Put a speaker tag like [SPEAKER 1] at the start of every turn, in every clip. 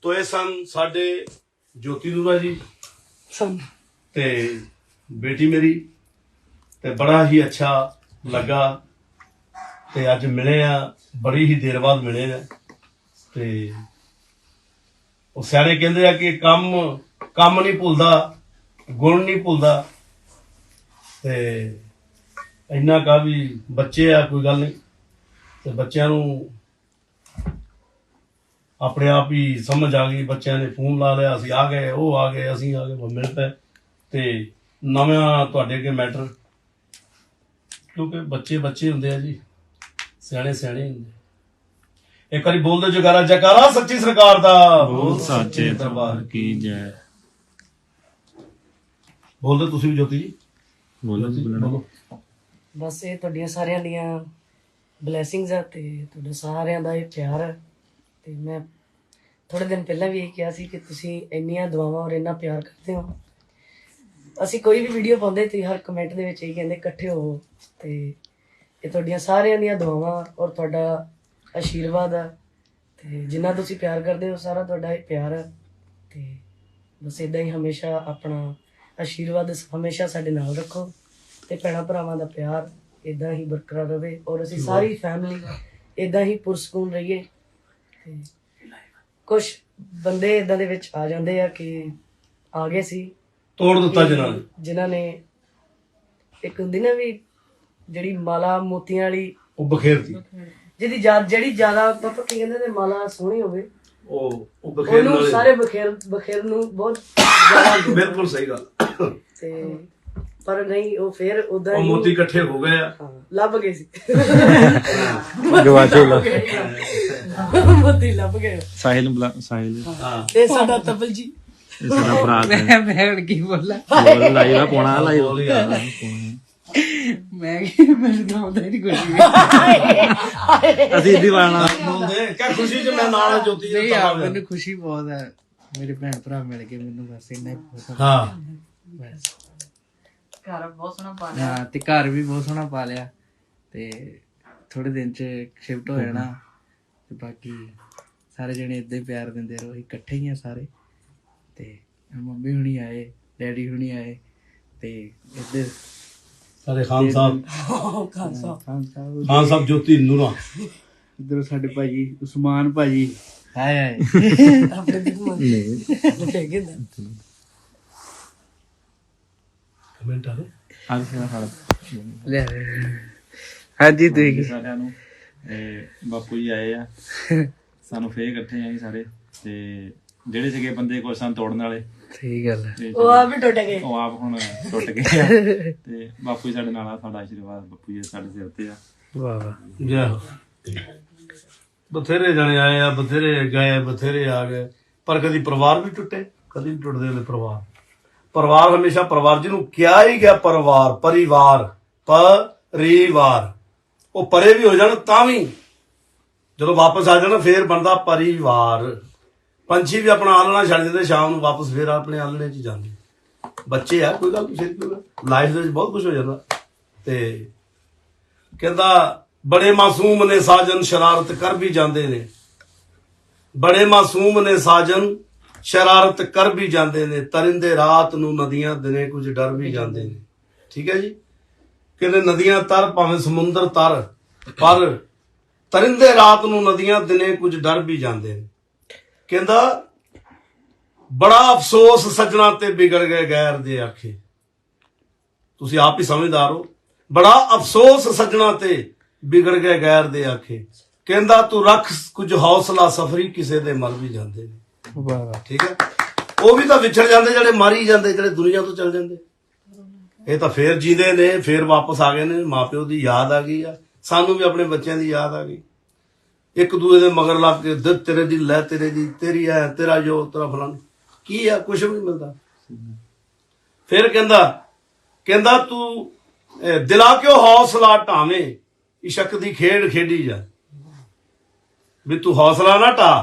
[SPEAKER 1] तो ये सन साडे ज्योति दूरा जी ते बेटी मेरी ते बड़ा ही अच्छा लगा ते अज मिले आ बड़ी ही देर बाद मिले ने ते सियाणे कहंदे आ कि कम नहीं भुलदा गुण नहीं भुलदा ते इन्ना का भी बच्चे आ कोई गल नहीं ते बच्चों नूं अपने आप ही समझ आ गई बच्चों ने फोन ला लिया असीं आ गए वो आ गए असीं आ गए मिल पे ते नवां तुहाडे अगे मैटर क्योंकि बच्चे बच्चे हुंदे आ जी सियाणे सियाणे हुंदे एक बारी बोल दो जयकारा सच्ची सरकार दा
[SPEAKER 2] बोल सच्चे दरबार की जय
[SPEAKER 1] बोल दो तुसीं भी ज्योति जी
[SPEAKER 2] बोलो
[SPEAKER 3] बस ये ਤੁਹਾਡੀਆਂ ਸਾਰਿਆਂ ਦੀਆਂ ਬਲੇਸਿੰਗਸ ਆ ਤੇ ਤੁਹਾਡੇ ਸਾਰਿਆਂ ਦਾ ਇਹ ਪਿਆਰ ਹੈ ਤੇ ਮੈਂ ਥੋੜੇ ਦਿਨ ਪਹਿਲਾਂ ਵੀ ਇਹ ਕਿਹਾ ਸੀ ਕਿ ਤੁਸੀਂ ਇੰਨੀਆਂ ਦੁਆਵਾਂ ਔਰ ਇੰਨਾ ਪਿਆਰ ਕਰਦੇ ਹੋ ਅਸੀਂ ਕੋਈ ਵੀ ਵੀਡੀਓ ਪਾਉਂਦੇ ਤੇ ਹਰ ਕਮੈਂਟ ਦੇ ਵਿੱਚ ਇਹ ਕਹਿੰਦੇ ਇਕੱਠੇ ਹੋਵੋ ਤੇ ਇਹ ਤੁਹਾਡੀਆਂ ਸਾਰਿਆਂ ਦੀਆਂ ਦੁਆਵਾਂ ਔਰ ਤੁਹਾਡਾ ਆਸ਼ੀਰਵਾਦ ਆ ਤੇ ਜਿੰਨਾ ਤੁਸੀਂ ਪਿਆਰ ਕਰਦੇ ਹੋ ਸਾਰਾ ਤੁਹਾਡਾ ਇਹ ਪਿਆਰ ਹੈ ਤੇ ਬਸ ਇਦਾਂ ਹੀ ਹਮੇਸ਼ਾ ਆਪਣਾ ਆਸ਼ੀਰਵਾਦ ਹਮੇਸ਼ਾ ਸਾਡੇ ਨਾਲ ਰੱਖੋ ਤੇ ਭੈਣਾਂ ਭਰਾਵਾਂ ਦਾ ਪਿਆਰ ਇਦਾਂ ਹੀ ਬਰਕਰਾਰ ਰਵੇ ਔਰ ਅਸੀਂ ਸਾਰੀ ਫੈਮਿਲੀ ਇਦਾਂ ਹੀ ਪੁਰਸਕੂਨ ਰਹੀਏ ਤੇ ਕੁਝ ਬੰਦੇ ਇਦਾਂ ਦੇ ਵਿੱਚ ਆ ਜਾਂਦੇ ਆ ਕਿ ਆ ਗਏ ਸੀ
[SPEAKER 1] ਤੋੜ ਦਿੱਤਾ
[SPEAKER 3] ਜਿਨ੍ਹਾਂ ਨੇ ਇੱਕ ਹੁੰਦੀ ਨਾ ਵੀ ਜਿਹੜੀ ਮਾਲਾ ਮੋਤੀਆਂ ਵਾਲੀ
[SPEAKER 1] ਉਹ ਬਖੇਰਤੀ
[SPEAKER 3] ਜਿਹੜੀ ਜ਼ਿਆਦਾ ਪਾਪਾ ਕੀ ਕਹਿੰਦੇ ਨੇ ਮਾਲਾ ਸੋਹਣੀ ਹੋਵੇ
[SPEAKER 1] ਉਹ ਬਖੇਰਨ
[SPEAKER 3] ਉਹਨੂੰ ਸਾਰੇ ਬਖੇਰ ਨੂੰ ਬਹੁਤ ਜ਼ਿਆਦਾ
[SPEAKER 1] ਬਿਲਕੁਲ ਸਹੀ ਗੱਲ
[SPEAKER 3] ਤੇ ਪਰ ਨਹੀਂ ਉਹ ਫੇਰ ਉਦਾਂ
[SPEAKER 1] ਉਹ ਮੋਤੀ ਇਕੱਠੇ ਹੋ ਗਏ ਆ
[SPEAKER 3] ਲੱਭ ਗਏ ਸੀ
[SPEAKER 2] ਗਵਾਚੋ
[SPEAKER 3] ਮੋਤੀ ਲੱਭ ਗਏ
[SPEAKER 2] ਸਾਹਿਲ ਨੂੰ ਬੁਲਾ ਸਾਹਿਲ
[SPEAKER 3] ਤੇ ਸਾਡਾ ਤਬਲ ਜੀ
[SPEAKER 2] ਇਹ ਸਾਡਾ ਭਰਾ ਹੈ
[SPEAKER 3] ਮੈਂ ਕੀ ਬੋਲਾਂ
[SPEAKER 2] ਬੋਲ ਲਾਈਵਾ ਪੋਣਾ ਲਾਈਵਾ
[SPEAKER 3] ਮੈਂ ਮੈਨੂੰ ਤਾਂ ਆਉਂਦਾ ਨਹੀਂ ਕੁਝ
[SPEAKER 2] ਅਸੀਂ ਇੱਦੀ ਵਾਣਾ
[SPEAKER 1] ਬੋਲਦੇ ਕਿਆ ਖੁਸ਼ੀ ਚ ਮੈਂ ਨਾਲ ਜੋਤੀ
[SPEAKER 3] ਨਹੀਂ ਯਾਰ ਮੈਨੂੰ ਖੁਸ਼ੀ ਬਹੁਤ ਹੈ ਮੇਰੇ ਭੈਣ ਭਰਾ ਮਿਲ ਕੇ ਮੈਨੂੰ ਬਸ ਇੰਨਾ ਹੀ ਬਹੁਤ
[SPEAKER 1] ਹਾਂ
[SPEAKER 3] ਬਸ
[SPEAKER 4] ਘਰ ਬਹੁਤ ਸੋਹਣਾ ਪਾ ਲਿਆ
[SPEAKER 3] ਹਾਂ ਤੇ ਘਰ ਵੀ ਬਹੁਤ ਸੋਹਣਾ ਪਾ ਲਿਆ ਤੇ ਥੋੜੇ ਦਿਨ ਚ ਸ਼ਿਫਟ ਹੋ ਜਾਣਾ ਤੇ ਬਾਕੀ ਸਾਰੇ ਜਣੇ ਏਦਾਂ ਹੀ ਪਿਆਰ ਦਿੰਦੇ ਰਹੋ ਇਕੱਠੇ ਹੀ ਆ ਸਾਰੇ ਤੇ ਮੰਮੀ ਹੁਣੀ ਆਏ ਡੈਡੀ ਹੁਣੀ ਆਏ ਤੇ ਇੱਧਰ
[SPEAKER 1] ਸਾਰੇ ਖਾਨ ਸਾਹਿਬ ਜੋਤੀ ਨੂਰਾ
[SPEAKER 3] ਇੱਧਰ ਸਾਡੇ ਭਾਜੀ ਉਸਮਾਨ ਭਾਜੀ ਹਾਏ ਹਾਏ ਆਪਣੇ ਦਿਖਮਾ ਨਹੀਂ
[SPEAKER 1] ਕਮੈਂਟ ਆ ਰਹੇ
[SPEAKER 2] ਅੱਜ ਸਾਡਾ
[SPEAKER 3] ਲੈ ਹਾਂਜੀ ਤੁਸੀਂ
[SPEAKER 2] ਸਾਰਿਆਂ ਨੂੰ ਬਾਪੂ ਜੀ ਆਏ ਆ ਸਾਨੂੰ ਫੇਰ ਇਕੱਠੇ ਆਏ ਸਾਰੇ ਤੇ ਜਿਹੜੇ ਸੀਗੇ ਬੰਦੇ ਕੋਈ ਸਾਨੂੰ ਤੋੜਨ ਵਾਲੇ
[SPEAKER 3] ਸਹੀ ਗੱਲ
[SPEAKER 2] ਤੇ
[SPEAKER 3] ਉਹ ਆਪ ਵੀ ਟੁੱਟ ਗਏ
[SPEAKER 2] ਉਹ ਆਪ ਹੁਣ ਟੁੱਟ ਗਏ ਆ ਤੇ ਬਾਪੂ ਜੀ ਸਾਡੇ ਨਾਲ ਆ ਸਾਡਾ ਆਸ਼ੀਰਵਾਦ ਬਾਪੂ ਜੀ ਸਾਡੇ ਸਿਰ ਤੇ ਆ
[SPEAKER 3] ਵਾਹ ਵਾਹ
[SPEAKER 1] ਜੈ ਹੋ ਬਥੇਰੇ ਜਣੇ ਆਏ ਆ ਬਥੇਰੇ ਗਏ ਬਥੇਰੇ ਆ ਗਏ ਪਰ ਕਦੀ ਪਰਿਵਾਰ ਵੀ ਟੁੱਟੇ ਕਦੀ ਵੀ ਟੁੱਟਦੇ ਨੇ ਪਰਿਵਾਰ ਹਮੇਸ਼ਾ ਪਰਿਵਾਰ ਜਿਹਨੂੰ ਕਿਹਾ ਹੀ ਗਿਆ ਪਰਿਵਾਰ ਉਹ ਪਰੇ ਵੀ ਹੋ ਜਾਣ ਤਾਂ ਵੀ ਜਦੋਂ ਵਾਪਸ ਆ ਜਾਣਾ ਫੇਰ ਬਣਦਾ ਪਰਿਵਾਰ ਪੰਛੀ ਵੀ ਆਪਣਾ ਆਲਣਾ ਛੱਡ ਦਿੰਦੇ ਸ਼ਾਮ ਨੂੰ ਵਾਪਸ ਫੇਰ ਆਪਣੇ ਆਲਣੇ 'ਚ ਜਾਂਦੇ ਬੱਚੇ ਆ ਕੋਈ ਗੱਲ ਲਾਈਫ ਦੇ ਵਿੱਚ ਬਹੁਤ ਕੁਝ ਹੋ ਜਾਂਦਾ ਤੇ ਕਹਿੰਦਾ ਬੜੇ ਮਾਸੂਮ ਨੇ ਸਾਜਨ ਸ਼ਰਾਰਤ ਕਰ ਵੀ ਜਾਂਦੇ ਨੇ ਬੜੇ ਮਾਸੂਮ ਨੇ ਸਾਜਨ ਸ਼ਰਾਰਤ ਕਰ ਵੀ ਜਾਂਦੇ ਨੇ ਤਰਿੰਦੇ ਰਾਤ ਨੂੰ ਨਦੀਆਂ ਦਿਨੇ ਕੁਝ ਡਰ ਵੀ ਜਾਂਦੇ ਨੇ ਠੀਕ ਹੈ ਜੀ ਕਹਿੰਦੇ ਨਦੀਆਂ ਤਰ ਭਾਵੇਂ ਸਮੁੰਦਰ ਤਰ ਪਰ ਤਰਿੰਦੇ ਰਾਤ ਨੂੰ ਨਦੀਆਂ ਦਿਨੇ ਕੁਝ ਡਰ ਵੀ ਜਾਂਦੇ ਨੇ ਕਹਿੰਦਾ ਬੜਾ ਅਫਸੋਸ ਸੱਜਣਾ ਤੇ ਵਿਗੜ ਗਏ ਗੈਰ ਦੇ ਆਖੇ ਤੁਸੀਂ ਆਪ ਹੀ ਸਮਝਦਾਰ ਹੋ ਬੜਾ ਅਫਸੋਸ ਸੱਜਣਾ ਤੇ ਵਿਗੜ ਗਏ ਗੈਰ ਦੇ ਆਖੇ ਕਹਿੰਦਾ ਤੂੰ ਰੱਖ ਕੁਝ ਹੌਸਲਾ ਸਫਰੀ ਕਿਸੇ ਦੇ ਮਰ ਵੀ ਜਾਂਦੇ ਨੇ
[SPEAKER 3] ਵਾਹ
[SPEAKER 1] ਠੀਕ ਹੈ ਉਹ ਵੀ ਤਾਂ ਵਿਛੜ ਜਾਂਦੇ ਜਿਹੜੇ ਮਾਰੀ ਜਾਂਦੇ ਜਿਹੜੇ ਦੁਨੀਆ ਤੋਂ ਚਲ ਜਾਂਦੇ ਇਹ ਤਾਂ ਫੇਰ ਜੀਂਦੇ ਨੇ ਫੇਰ ਵਾਪਸ ਆ ਗਏ ਨੇ ਮਾਪਿਓ ਦੀ ਯਾਦ ਆ ਗਈ ਆ ਸਾਨੂੰ ਵੀ ਆਪਣੇ ਬੱਚਿਆਂ ਦੀ ਯਾਦ ਆ ਗਈ ਇੱਕ ਦੂਜੇ ਦੇ ਮਗਰ ਲੱਗ ਕੇ ਦਿੱਤ ਤੇਰੇ ਦੀ ਲੈ ਤੇਰੇ ਦੀ ਤੇਰੀ ਹੈ ਤੇਰਾ ਜੋ ਤੇਰਾ ਫਲਾਣਾ ਕੀ ਆ ਕੁਛ ਵੀ ਨਹੀਂ ਮਿਲਦਾ ਫਿਰ ਕਹਿੰਦਾ ਤੂੰ ਦਿਲਾ ਕਿਉਂ ਹੌਸਲਾ ਢਾਵੇਂ ਇਸ਼ਕ ਦੀ ਖੇਡ ਖੇਡੀ ਜਾ ਵੀ ਤੂੰ ਹੌਸਲਾ ਨਾ ਢਾ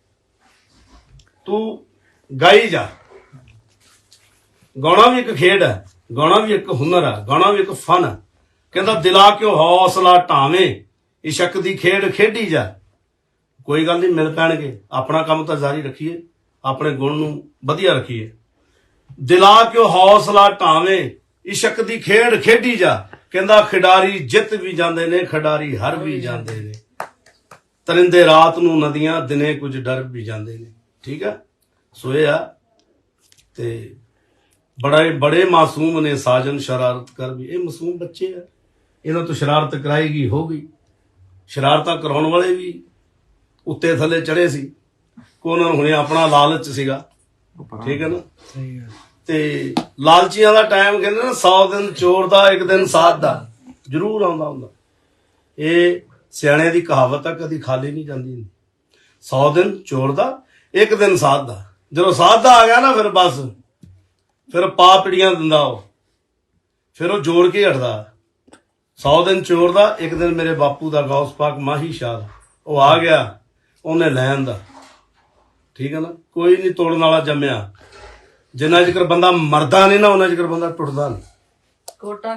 [SPEAKER 1] ਤੂੰ ਗਾਈ ਜਾ ਗਾਉਣਾ ਵੀ ਇੱਕ ਖੇਡ ਹੈ ਗਾਉਣਾ ਵੀ ਇੱਕ ਹੁਨਰ ਹੈ ਗਾਉਣਾ ਵੀ ਇੱਕ ਫਨ ਹੈ ਕਹਿੰਦਾ ਦਿਲਾ ਕਿਉਂ ਹੌਸਲਾ ਢਾਵੇਂ ਇਸ਼ਕ ਦੀ ਖੇਡ ਖੇਡੀ ਜਾ ਕੋਈ ਗੱਲ ਨਹੀਂ, ਮਿਲ ਪੈਣਗੇ। ਆਪਣਾ ਕੰਮ ਤਾਂ ਜਾਰੀ ਰੱਖੀਏ, ਆਪਣੇ ਗੁਣ ਨੂੰ ਵਧੀਆ ਰੱਖੀਏ। ਦਿਲਾ ਕਿਉਂ ਹੌਸਲਾ ਢਾਵੇਂ, ਇਸ਼ਕ ਦੀ ਖੇਡ ਖੇਡੀ ਜਾ। ਕਹਿੰਦਾ ਖਿਡਾਰੀ ਜਿੱਤ ਵੀ ਜਾਂਦੇ ਨੇ, ਖਿਡਾਰੀ ਹਾਰ ਵੀ ਜਾਂਦੇ ਨੇ। ਤਰਿੰਦੇ ਰਾਤ ਨੂੰ ਨਦੀਆਂ, ਦਿਨੇ ਕੁਝ ਡਰ ਵੀ ਜਾਂਦੇ ਨੇ। ਠੀਕ ਆ, ਸੋ ਇਹ ਆ। ਤੇ ਬੜੇ ਮਾਸੂਮ ਨੇ ਸਾਜਨ ਸ਼ਰਾਰਤ ਕਰ ਵੀ। ਇਹ ਮਾਸੂਮ ਬੱਚੇ ਆ, ਇਹਨਾਂ ਤੋਂ ਸ਼ਰਾਰਤ ਕਰਾਏਗੀ ਹੋਗੀ। ਸ਼ਰਾਰਤਾਂ ਕਰਾਉਣ ਵਾਲੇ ਵੀ ਉੱਤੇ ਥੱਲੇ ਚੜੇ ਸੀ, ਕੋ ਉਹਨਾਂ ਨੂੰ ਹੁਣੇ ਆਪਣਾ ਲਾਲਚ ਸੀਗਾ। ਠੀਕ ਹੈ ਨਾ।
[SPEAKER 3] ਸਹੀ ਗੱਲ।
[SPEAKER 1] ਤੇ ਲਾਲਚੀਆਂ ਦਾ ਟਾਈਮ ਕਹਿੰਦੇ ਨਾ 100 ਦਿਨ ਚੋਰ ਦਾ 1 ਦਿਨ ਸਾਧ ਦਾ ਜ਼ਰੂਰ ਆਉਂਦਾ ਹੁੰਦਾ। ਇਹ ਸਿਆਣਿਆਂ ਦੀ ਕਹਾਵਤ ਆ, ਕਦੀ ਖਾਲੀ ਨਹੀਂ ਜਾਂਦੀ। 100 ਦਿਨ ਚੋਰ ਦਾ 1 ਦਿਨ ਸਾਧ ਦਾ। ਜਦੋਂ ਸਾਧ ਦਾ ਆ ਗਿਆ ਨਾ, ਫਿਰ ਬਸ ਫਿਰ ਪਾ ਪਿੜੀਆਂ ਦਿੰਦਾ ਉਹ, ਫਿਰ ਉਹ ਜੋੜ ਕੇ ਹਟਦਾ। 100 ਦਿਨ ਚੋਰ ਦਾ 1 ਦਿਨ ਮੇਰੇ ਬਾਪੂ ਦਾ ਗੌਸ ਪਾਕ ਮਾਹੀ ਸ਼ਾਹ ਦਾ। ਉਹ ਆ ਗਿਆ, ਉਹਨੇ ਲੈਣ ਦਾ। ਠੀਕ ਹੈ ਨਾ। ਕੋਈ ਨਹੀਂ ਤੋੜਨ ਵਾਲਾ ਜੰਮਿਆ। ਜਿੰਨਾ ਚਿਰ ਬੰਦਾ ਮਰਦਾ ਨਹੀਂ ਨਾ, ਉਹਨਾਂ ਚਿਰ ਬੰਦਾ ਟੁੱਟਦਾ ਨਹੀਂ।
[SPEAKER 4] ਕੋਟਾ